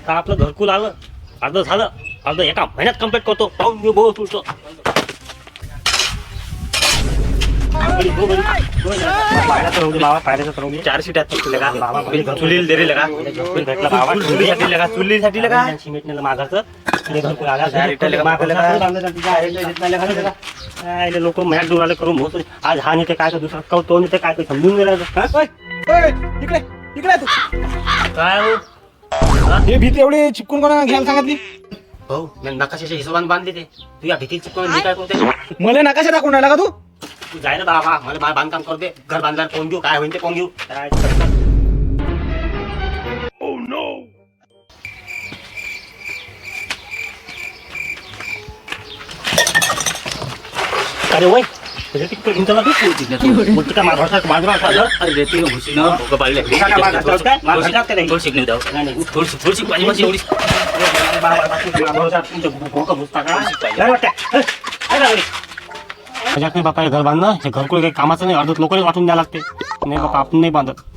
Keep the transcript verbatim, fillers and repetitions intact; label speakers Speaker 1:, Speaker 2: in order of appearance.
Speaker 1: तर आपलं घरकुल आलं, अर्ध झालं, अर्ध एका महिन्यात कम्प्लीट करतो. पाहून घेऊ भाऊ तुझं.
Speaker 2: चार सीट चुलील दे रे लगा चुलीसाठी लगा चुलीसाठी लगा
Speaker 1: लोक मॅच दूर आले करून भाऊ आज हा नेते काय दुसरा कौ तो नेते काय समजून गेला.
Speaker 3: इकडे इकडे तू
Speaker 1: काय हो
Speaker 3: हे भीती एवढी चिपकून कोणा घ्यायला सांगितली?
Speaker 1: भाऊ मी नकाशाच्या हिशोबाने बांधले ते. तू या भीती चिपकून मी काय करते?
Speaker 3: मला नकाशा दाखवून राहिला का तू?
Speaker 1: तू जाय ना बाबा, मला बाहेर बांधकाम करू दे. घर बांधल्यावर कोण घेऊ, काय होईल ते कोण घेऊ. अरे वय बापा घर बांधणं हे घरकुल काही कामाचं नाही. अर्धत लोकांनी वाटून द्यायला लागते. नाही बापा आपण नाही बांधत.